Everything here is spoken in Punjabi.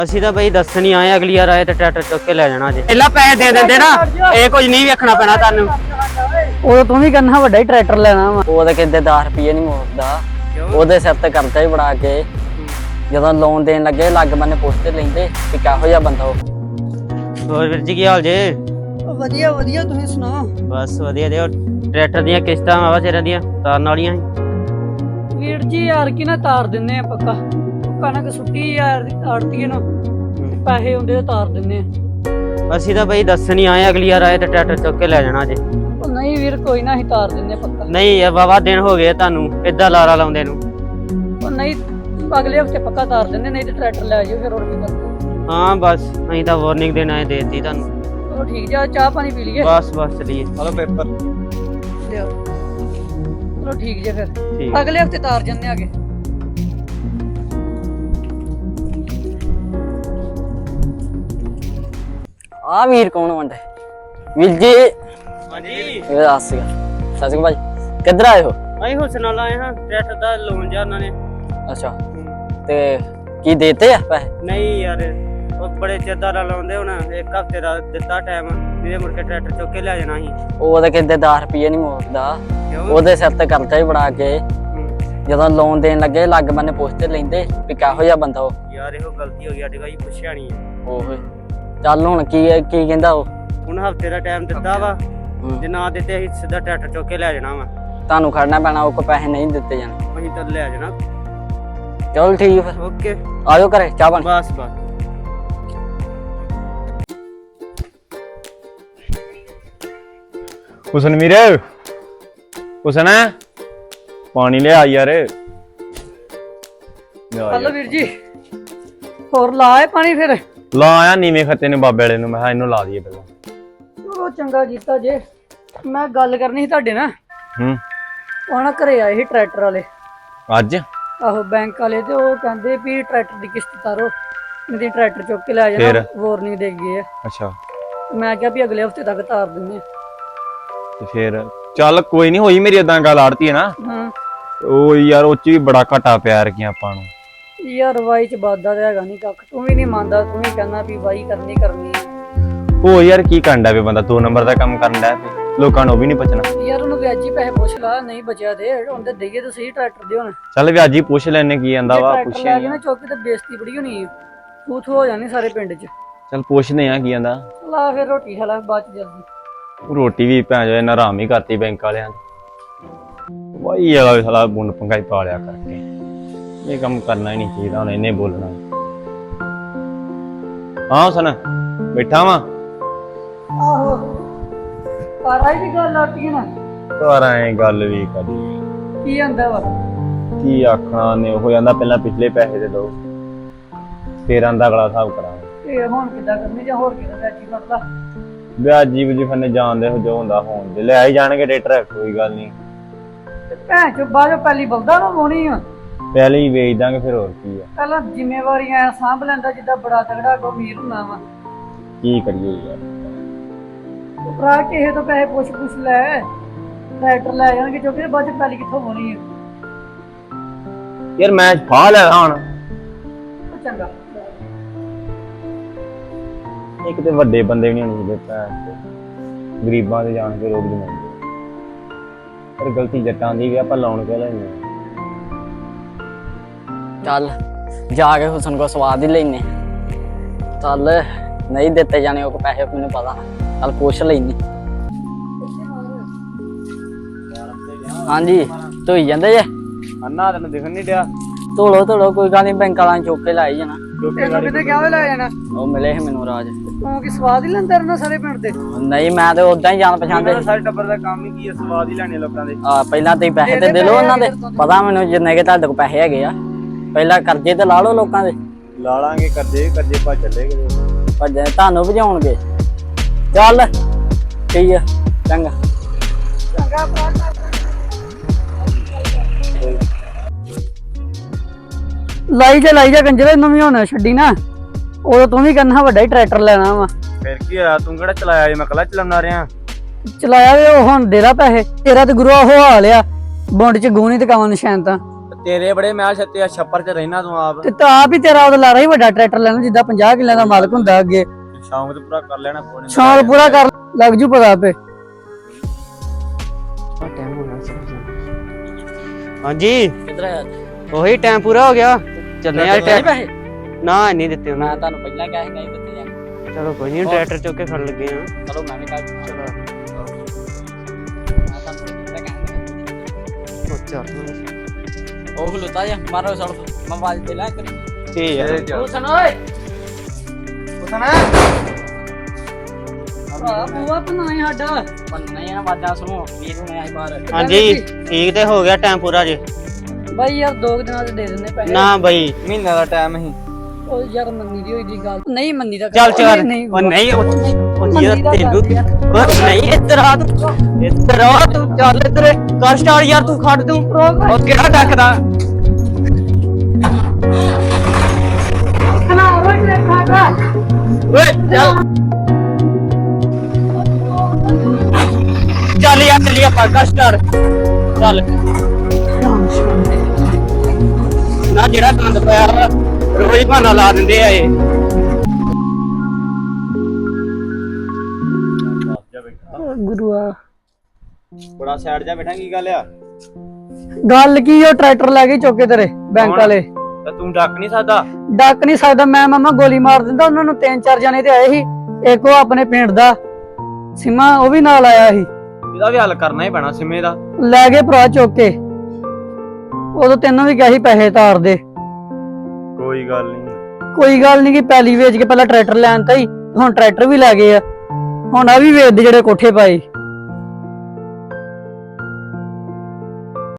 ਅਸੀਂ ਤਾਂ ਬਈ ਦੱਸਣ ਹੀ ਆਏ, ਅਗਲੀ ਵਾਰ ਆਏ ਤੇ ਟਰੈਕਟਰ ਚੁੱਕ ਕੇ ਲੈ ਜਾਣਾ ਜੇ। ਪਹਿਲਾਂ ਪੈਸੇ ਦੇ ਦਿੰਦੇ ਨਾ, ਇਹ ਕੁਝ ਨਹੀਂ ਵੇਖਣਾ ਪੈਣਾ ਤੁਹਾਨੂੰ। ਉਹ ਤੂੰ ਵੀ ਕਹਿੰਦਾ ਵੱਡਾ ਹੀ ਟਰੈਕਟਰ ਲੈਣਾ ਵਾ। ਉਹ ਤਾਂ ਕਿਤੇ 10 ਰੁਪਏ ਨਹੀਂ ਮੋੜਦਾ, ਉਹਦੇ ਸਿਰ ਤੇ ਕਰਜ਼ਾ ਹੀ ਬਣਾ ਕੇ ਜਦੋਂ ਲੋਨ ਦੇਣ ਲੱਗੇ ਲੱਗ ਬੰਨੇ ਪੁੱਛਦੇ ਲੈਂਦੇ ਕਿ ਕਿਹੋ ਜਿਹਾ ਬੰਦਾ ਉਹ। ਹੋਰ ਵੀਰ ਜੀ ਕੀ ਹਾਲ ਜੇ? ਵਧੀਆ ਵਧੀਆ, ਤੁਸੀਂ ਸੁਣਾਓ? ਬਸ ਵਧੀਆ ਦੇ। ਟਰੈਕਟਰ ਦੀਆਂ ਕਿਸ਼ਤਾਂ ਆਵਾ ਸਿਰਾਂ ਦੀਆਂ ਤਾਰਨ ਵਾਲੀਆਂ ਸੀ। ਵੀਰ ਜੀ ਯਾਰ ਕੀ ਨਾ ਤਾਰ ਦਿੰਨੇ ਆ, ਪੱਕਾ ਕਣਕ ਸੁੱਟੀ ਯਾਰ ਆੜਤੀਏ ਨੂੰ ਪੈਸੇ ਹੁੰਦੇ ਤੇ ਤਾਰ ਦਿੰਨੇ ਆ। ਅਸੀਂ ਤਾਂ ਬਈ ਦੱਸਣ ਹੀ ਆਏ, ਅਗਲੀ ਵਾਰ ਆਏ ਤੇ ਟਰੈਕਟਰ ਚੁੱਕ ਕੇ ਲੈ ਜਾਣਾ ਜੇ। ਉਹ ਨਹੀਂ ਵੀਰ ਕੋਈ ਨਾ, ਅਸੀਂ ਤਾਰ ਦਿੰਨੇ ਪੱਕਾ। ਨਹੀਂ ਇਹ ਵਾਵਾ ਦਿਨ ਹੋ ਗਏ ਤੁਹਾਨੂੰ ਏਦਾਂ ਲਾਰਾ ਲਾਉਂਦੇ ਨੂੰ। ਉਹ ਨਹੀਂ ਅਗਲੇ ਹਫਤੇ ਪੱਕਾ ਤਾਰ ਦਿੰਦੇ, ਨਹੀਂ ਤੇ ਟਰੈਕਟਰ ਲੈ ਜਾਓ ਫਿਰ। ਹੋਰ ਕੀ ਕਰਨਾ? ਹਾਂ ਬਸ ਅਸੀਂ ਤਾਂ ਵਾਰਨਿੰਗ ਦੇਣ ਆਏ, ਦੇਤੀ ਤੁਹਾਨੂੰ। ਚਲੋ ਠੀਕ ਜਾ, ਚਾਹ ਪਾਣੀ ਪੀ ਲਈਏ। ਬਸ ਚਲੀਏ। ਹਲੋ ਪੇਪਰ ਲਿਓ। ਚਲੋ ਠੀਕ ਜੇ ਫਿਰ, ਠੀਕ। ਅਗਲੇ ਹਫਤੇ ਤਾਰ ਜੰਨੇ ਆਗੇ। ਆ ਵੀਰ ਕੌਣ ਵੰਡੇ? ਵੀਰ ਜੀ ਹਾਂਜੀ ਇਹ ਦੱਸ ਸੀਗਾ। ਸਤਿ ਸ਼੍ਰੀ ਅਕਾਲ ਭਾਈ, ਕਿੱਧਰ ਆਏ ਹੋ? ਅਸੀਂ ਹੁਸਨ ਨਾਲ ਆਏ ਹਾਂ, ਟਰੈਕਟਰ ਦਾ ਲੋਨ ਜਾ ਉਹਨਾਂ ਨੇ। ਅੱਛਾ, ਤੇ ਕੀ ਦੇਤੇ ਆ ਪੈਸੇ? ਨਹੀਂ ਯਾਰ ਉਹ ਬੜੇ ਚਿਰ ਦਾ ਲਾਉਂਦੇ, ਹੁਣ ਇੱਕ ਹਫ਼ਤੇ ਦਾ ਦਿੱਤਾ ਟਾਈਮ, ਇਹਦੇ ਮੁੜ ਕੇ ਟਰੈਕਟਰ ਚੁੱਕ ਕੇ ਲੈ ਜਾਣਾ ਸੀ। ਉਹ ਤਾਂ ਕਿਤੇ 10 ਰੁਪਏ ਨਹੀਂ ਮੋੜਦਾ, ਕਿਉਂ? ਉਹਦੇ ਸਿਰ ਤੇ ਕਰਜ਼ਾ ਹੀ ਬਣਾ ਕੇ ਜਦੋਂ ਲੋਨ ਦੇਣ ਲੱਗੇ ਲੱਗ ਬੰਨੇ ਪੁੱਛਦੇ ਲੈਂਦੇ ਵੀ ਕਿਹੋ ਜਿਹਾ ਬੰਦਾ ਉਹ। ਯਾਰ ਇਹੋ ਗਲਤੀ ਹੋ ਗਈ ਸਾਡੇ ਕੋਲ, ਪੁੱਛਿਆ ਨਹੀਂ। ਉਹ ਚੱਲ ਹੁਣ ਕੀ ਕਹਿੰਦਾ ਉਹ? ਹੁਣ ਹਫ਼ਤੇ ਦਾ ਟਾਈਮ ਦਿੱਤਾ ਵਾ, ਜੇ ਨਾ ਦਿੱਤੇ ਅਸੀਂ ਸਿੱਧਾ ਟਰੈਕਟਰ ਚੁੱਕ ਕੇ ਲੈ ਜਾਣਾ ਵਾ। ਤੁਹਾਨੂੰ ਖੜਨਾ ਪੈਣਾ, ਉਹ ਕੋ ਪੈਸੇ ਨਹੀਂ ਦਿੱਤੇ ਜਾਣੇ। ਅਸੀਂ ਤਾਂ ਲੈ ਜਾਣਾ। ਚਲ ਠੀਕ ਫਿਰ, ਓਕੇ ਆਜੋ ਘਰੇ ਚਾਹ ਪਾਣੀ। ਬਸ ਹੁਸਨ ਵੀਰ, ਹੁਸਨ ਪਾਣੀ ਲਿਆ ਯਾਰ। ਹਲੋ ਵੀਰ ਜੀ, ਹੋਰ ਲਾਏ ਪਾਣੀ ਫਿਰ? ਲਾ ਆਇਆ ਨੀਵੇਂ ਖੱਤੇ ਨੇ ਬਾਬੇ ਵਾਲੇ ਨੂੰ, ਮੈਂ ਕਿਹਾ ਇਹਨੂੰ ਲਾ ਦਈਏ ਪਹਿਲਾਂ। ਚਲੋ ਚੰਗਾ ਕੀਤਾ ਜੇ। ਮੈਂ ਗੱਲ ਕਰਨੀ ਸੀ ਤੁਹਾਡੇ ਨਾਲ। ਉਹ ਨਾ ਘਰੇ ਆਏ ਸੀ ਟਰੈਕਟਰ ਵਾਲੇ ਅੱਜ। ਆਹੋ ਬੈਂਕ ਵਾਲੇ, ਤੇ ਉਹ ਕਹਿੰਦੇ ਵੀ ਟਰੈਕਟਰ ਦੀ ਕਿਸ਼ਤ ਤਾਰੋ, ਨਹੀਂ ਟਰੈਕਟਰ ਚੁੱਕ ਕੇ ਲੈ ਜਾਣਾ। ਵਾਰਨਿੰਗ ਦੇ ਗਏ ਆ। ਅੱਛਾ, ਮੈਂ ਕਿਹਾ ਵੀ ਅਗਲੇ ਹਫਤੇ ਤੱਕ ਤਾਰ ਦਿੰਦੇ ਆ। ਤੇ ਫਿਰ ਚੱਲ ਕੋਈ ਨਹੀਂ, ਹੋਈ ਮੇਰੀ ਏਦਾਂ ਗੱਲ ਆੜਤੀ ਹੈ ਨਾ। ਹਾਂ ਉਹ ਯਾਰ ਉਹ ਚ ਵੀ ਬੜਾ ਘਾਟਾ ਪਿਆ ਰਹੀਆਂ ਆਪਾਂ ਨੂੰ। ਯਾਰ ਵਾਈ ਚ ਵਾਦਾ ਤੇ ਹੈਗਾ ਨਹੀਂ ਕੱਖ, ਤੂੰ ਵੀ ਨਹੀਂ ਮੰਨਦਾ, ਤੂੰ ਵੀ ਕਹਿੰਦਾ ਵੀ ਵਾਈ ਕਰਨੀ ਉਹ ਯਾਰ ਕੀ ਕਰਦਾ ਵੀ ਬੰਦਾ 2 ਨੰਬਰ ਦਾ ਕੰਮ ਕਰਨ ਡਿਆ ਪਿਆ, ਲੋਕਾਂ ਨੂੰ ਉਹ ਵੀ ਨਹੀਂ ਬਚਣਾ। ਯਾਰ ਉਹਨੂੰ ਵਿਆਜੀ ਪੈਸੇ ਪੁੱਛ ਲਾ, ਨਹੀਂ ਬਚਿਆ ਦੇ ਉਹਦੇ ਦਈਏ ਤਾਂ ਸਹੀ ਟਰੈਕਟਰ ਦੇ ਹੁਣ। ਚੱਲ ਵਿਆਜੀ ਪੁੱਛ ਲੈਣੇ ਕੀ ਆਂਦਾ ਵਾ, ਪੁੱਛਿਆ ਨਾ ਚੌਕੀ ਤੇ ਬੇਇੱਜ਼ਤੀ ਬੜੀ ਹੋਣੀ ਹੈ, ਤੂੰ ਹੋ ਜਾਣੀ ਸਾਰੇ ਪਿੰਡ ਚ। ਚੱਲ ਪੁੱਛਦੇ ਆ ਕੀ ਆਂਦਾ। ਲਾ ਫਿਰ ਰੋਟੀ ਖਾ ਲਾ ਬਾਅਦ ਚ ਜਲਦੀ। ਰੋਟੀ ਵੀ ਭੈਣ ਜੋ ਇਹਨਾਂ ਆਰਾਮ ਹੀ ਕਰਤੀ ਬੈਂਕ ਵਾਲਿਆਂ ਨੇ। ਵਾਈ ਵਾਲਾ ਸਾਲਾ ਬੁੰਡ ਪੰਗਾਈ ਪਾ ਲਿਆ ਕਰਕੇ, ਇਹ ਕੰਮ ਕਰਨਾ ਹੀ ਨਹੀਂ ਚਾਹੀਦਾ, ਹੁਣ ਇਹਨੇ ਬੋਲਣਾ। ਹਾਂ ਹੁਸਨ ਬੈਠਾ ਵਾ। ਆਹੋ ਪਰ ਆਈ ਦੀ ਗੱਲ ਆਟੀ ਨਾ, ਪਰ ਐ ਗੱਲ ਵੀ ਕਰੀ ਕੀ ਆਂਦਾ ਵਾ? ਕੀ ਆਖਣਾ ਨੇ, ਉਹ ਜਾਂਦਾ ਪਹਿਲਾਂ ਪਿਛਲੇ ਪੈਸੇ ਦੇ ਦੋ, ਫੇਰ ਆਂਦਾ ਅਗਲਾ ਹਿਸਾਬ ਕਰਾਂਗੇ। ਇਹ ਹੁਣ ਕਿੱਦਾਂ ਕਰਨੀ ਜਾਂ ਹੋਰ ਕਿੱਦਾਂ ਵਿਆਜੀ ਕਰਦਾ? ਵਿਆਜੀ ਵਜੀ ਫੰਨੇ ਜਾਣਦੇ ਹੋ ਜੋ ਹੁੰਦਾ ਹੋਣ ਦੇ, ਲੈ ਹੀ ਜਾਣਗੇ ਟਰੈਕਟਰ, ਕੋਈ ਗੱਲ ਨਹੀਂ। ਭੈਣ ਚੋ ਬਾਜੋ ਪਹਿਲੀ ਬਲਦਾ ਨੂੰ ਹੋਣੀ ਆ, ਪਹਿਲੇ ਹੀ ਵੇਚ ਦਾਂਗੇ, ਫਿਰ ਹੋਰ ਕੀ ਆ। ਪਹਿਲਾਂ ਜ਼ਿੰਮੇਵਾਰੀਆਂ ਸਾਂਭ ਲੈਂਦਾ ਜਿੱਦਾਂ ਬੜਾ ਤਗੜਾ ਕੋ ਅਮੀਰ ਹੁੰਦਾ ਵਾ। ਕੀ ਕਰੀਏ ਯਾਰ, ਭਰਾ ਕਿਸੇ ਤੋਂ ਪੈਸੇ ਪੁੱਛ ਲੈ, ਟਰੈਕਟਰ ਲੈ ਜਾਣਗੇ ਕਿਉਂਕਿ ਬਾਅਦ ਚ ਪਹਿਲੀ ਕਿੱਥੋਂ ਹੋਣੀ ਆ। ਯਾਰ ਮੈਂ ਫਾ ਲੈ ਹੁਣ। ਚੰਗਾ ਇੱਕ ਤੇ ਵੱਡੇ ਬੰਦੇ ਨਹੀਂ ਹੋਣੇ ਭੈਣ, ਗਰੀਬਾਂ ਦੇ ਜਾਣ ਕੇ ਰੋਕ ਦਿੰਦੇ। ਪਰ ਗਲਤੀ ਜੱਟਾਂ ਦੀ ਵੀ, ਆਪਾਂ ਲਾਉਣ ਕੇ ਲੈਣੇ। ਚੱਲ ਜਾ ਕੇ ਹੁਸਨ ਕੋ ਸਵਾਦ ਹੀ ਲੈਨੇ। ਚੱਲ ਨਹੀਂ ਦਿੱਤੇ ਜਾਣੇ ਉਹ ਪੈਸੇ, ਮੈਨੂੰ ਪਤਾ। ਚੱਲ ਪੁੱਛ ਲੈਨੀ। ਹਾਂਜੀ ਧੋਈ ਜਾਂਦੇ ਜੇ? ਅੰਨਾ ਤੈਨੂੰ ਦਿਖਣ ਨਹੀਂ ਡਿਆ? ਧੋਲੋ ਕੋਈ ਗੱਲ ਨਹੀਂ, ਬੈਂਕ ਵਾਲਾਂ ਨੇ ਚੁੱਕ ਕੇ ਲਾਈ ਜਾਣਾ। ਤੈਨੂੰ ਕਿਤੇ ਕਿਹਾ ਲੈ ਜਾਣਾ? ਉਹ ਮਿਲੇ ਸੀ ਮੈਨੂੰ ਰਾਜ। ਤੂੰ ਕੀ ਸਵਾਦ ਹੀ ਲੈਂਦਾ ਰਹਿਣਾ ਸਾਰੇ ਪਿੰਡ ਦੇ? ਨਹੀਂ ਮੈਂ ਤੇ ਉਦਾਂ ਹੀ ਜਾਣ ਪਛਾਣਦੇ। ਸਾਰੇ ਟੱਬਰ ਦਾ ਕੰਮ ਹੀ ਕੀ ਹੈ, ਸਵਾਦ ਹੀ ਲੈਣੇ ਲੋਕਾਂ ਦੇ। ਪਹਿਲਾਂ ਤੁਸੀਂ ਪੈਸੇ ਤੇ ਦੇ ਲਓ ਉਹਨਾਂ ਦੇ, ਪਤਾ ਮੈਨੂੰ ਜਿੰਨੇ ਕਿ ਤੁਹਾਡੇ ਕੋਲ ਪੈਸੇ ਹੈਗੇ ਆ। ਪਹਿਲਾਂ ਕਰਜ਼ੇ ਤੇ ਲਾ ਲਓ ਲੋਕਾਂ ਦੇ। ਲਾ ਲਾਂਗੇ ਕਰਜ਼ੇ ਪਾ ਚੱਲੇਗੇ, ਭੱਜੇ ਤੁਹਾਨੂੰ ਭਜਾਉਣਗੇ। ਚੱਲ ਠੀਕ ਆ, ਚੰਗਾ। ਲਾਈ ਜਾ ਕੰਜਰੇ ਨੂੰ ਵੀ ਹੁਣ ਛੱਡੀ ਨਾ, ਉਦੋਂ ਤੂੰ ਵੀ ਕਹਿੰਦਾ ਵੱਡਾ ਹੀ ਟਰੈਕਟਰ ਲੈਣਾ ਵਾ। ਫਿਰ ਕੀ ਹੋਇਆ, ਤੂੰ ਕਿਹੜਾ ਚਲਾਇਆ ਜੇ, ਮੈਂ ਕੱਲਾ ਚਲਾਉਣਾ ਰਿਹਾ। ਚਲਾਇਆ ਵੇ ਉਹ ਹੁਣ ਦੇ ਲਾ ਪੈਸੇ, ਤੇਰਾ ਤੇ ਗੁਰੂ ਉਹ ਹਾਲ ਆ, ਬੁੰਡ ਚ ਗੂਣੀ ਤੇ ਕਾਵਾਂ ਨਿਸ਼ਾਨ ਤਾਂ। ਤੇਰੇ ਬੜੇ ਮੈਂ ਛੱਤੇ ਛੱਪਰ 'ਚ ਰਹਿਣਾ ਤੂੰ ਆਪ ਤੇ ਤਾਂ ਆਪ ਹੀ ਤੇਰਾ ਉਹਦਾ ਲਾਰਾ ਹੀ ਵੱਡਾ ਟਰੈਕਟਰ ਲੈਣਾ ਜਿੱਦਾਂ 50 ਕਿੱਲਿਆਂ ਦਾ ਮਾਲਕ ਹੁੰਦਾ ਅੱਗੇ। ਸ਼ੌਂਕ ਤੇ ਪੂਰਾ ਕਰ ਲੈਣਾ ਫੋਨ ਸ਼ੌਂਕ ਪੂਰਾ ਕਰ ਲੱਗ ਜੂ ਪਤਾ ਆਪੇ। ਹਾਂਜੀ ਕਿੱਧਰ ਆਇਆ ਉਹੀ ਟਾਈਮ ਪੂਰਾ ਹੋ ਗਿਆ ਚੱਲੇ ਆ ਨਹੀਂ ਪੈਸੇ ਨਾ ਨਹੀਂ ਦਿੱਤੇ ਉਹਨਾਂ ਮੈਂ ਤੁਹਾਨੂੰ ਪਹਿਲਾਂ ਕਿਹਾ ਸੀ ਨਹੀਂ ਦਿੱਤੇ ਜਾਣੇ। ਨੇ। ਚਲੋ ਕੋਈ ਨਹੀਂ ਟਰੈਕਟਰ ਚੁੱਕ ਕੇ ਫੜ ਲੱਗੇ ਆ। ਚਲੋ ਮੈਂ ਵੀ ਕੱਲ ਚਲੋ ਮੈਂ ਤੁਹਾਨੂੰ ਪਹਿਲਾਂ ਕਿਹਾ ਉਹ ਖਲੋਤਾ ਜਾ ਮਾਰੋ ਸੜ ਮੈਂ ਆਵਾਜ਼ ਦੇ ਲਾ ਕਰੀ ਠੀਕ ਉਹ ਸੁਣ ਓਏ ਭਰਾ ਬੂਆ ਬਣਾਈ ਸਾਡਾ। ਬੰਦ ਨਹੀਂ ਆ ਵਾਜਾਂ ਸੁਣੋ ਵੀਰ ਹੁਣੇ ਆਈ ਬਾਹਰ ਹਾਂਜੀ ਠੀਕ ਤੇ ਹੋ ਗਿਆ ਟਾਈਮ ਪੂਰਾ ਜੀ। ਬਾਈ ਯਾਰ 2 ਦਿਨਾਂ ਦੇ ਦੇ ਦਿੰਦੇ ਪੈਸੇ। ਨਾ ਬਈ ਮਹੀਨੇ ਦਾ ਟਾਈਮ ਸੀ ਉਹ ਯਾਰ ਮੰਨੀ ਦੀ ਹੋਈ ਦੀ ਗੱਲ ਨਹੀਂ ਮੰਨੀ ਦਾ ਚੱਲ ਚੱਲ ਉਹ ਨਹੀਂ ਉਹ ਨਹੀਂ ਉਹ ਮੰਨੀ ਯਾਰ ਦਾ ਤੈਨੂੰ ਕਰ ਯਾਰ। ਉਹ ਨਹੀਂ ਇੱਧਰ ਆ ਤੂੰ ਚੱਲ ਇੱਧਰ ਕਰ ਸਟਾਰਟ ਯਾਰ ਤੂੰ ਖੜ ਤੂੰ ਉਹ ਕਿਹੜਾ ਡੱਕਦਾ ਖਣਾ ਰੋਟ ਲੈ ਖਾਗਾ ਓਏ ਚੱਲ ਚੱਲ ਯਾਰ ਚੱਲੀ ਆਪਾਂ ਕਰ ਸਟਾਰਟ ਚੱਲ ਨਾ ਜਿਹੜਾ ਗੰਦ ਪਿਆ ਵਾ, ਰੋਜ਼ ਬਹਾਨਾ ਲਾ ਦਿੰਦੇ ਆ ਇਹ। ਗੁਰੂਆ ਬੜਾ ਸਾਈਡ ਜਾ ਬੈਠਾ ਕੀ ਗੱਲ ਆ ਗੱਲ ਕੀ ਉਹ ਟਰੈਕਟਰ ਲੈ ਕੇ ਚੁੱਕੇ ਤੇਰੇ ਬੈਂਕ ਵਾਲੇ। ਤਾਂ ਤੂੰ ਡੱਕ ਨਹੀਂ ਸਕਦਾ ਡੱਕ ਨਹੀਂ ਸਕਦਾ ਮੈਂ ਮਾਮਾ ਗੋਲੀ ਮਾਰ ਦਿੰਦਾ ਉਹਨਾਂ ਨੂੰ 3-4 ਜਣੇ ਤੇ ਆਏ ਸੀ। ਇੱਕ ਉਹ ਆਪਣੇ ਪਿੰਡ ਦਾ ਸਿਮਾ ਉਹ ਵੀ ਨਾਲ ਆਇਆ ਸੀ। ਇਹਦਾ ਵੀ ਹੱਲ ਕਰਨਾ ਹੀ ਪੈਣਾ ਸਿਮੇ ਦਾ ਲੈ ਗਏ ਭਰਾ ਚੁੱਕ ਕੇ। ਉਦੋਂ ਤੈਨੂੰ ਵੀ ਕਿਹਾ ਸੀ ਪੈਸੇ ਤਾਰ ਦੇ। ਕੋਈ ਗੱਲ ਨਹੀਂ ਕੋਈ ਗੱਲ ਨਹੀਂ ਕਿ ਪੈਲੀ ਵੇਚ ਕੇ ਪਹਿਲਾਂ ਟਰੈਕਟਰ ਲੈਣ ਤਾ ਹੀ ਹੁਣ ਟਰੈਕਟਰ ਵੀ ਲੈ ਗਏ ਆ। ਹੁਣ ਆ ਵੀ ਵੇਚਦੇ ਜਿਹੜੇ ਕੋਠੇ ਪਾਏ।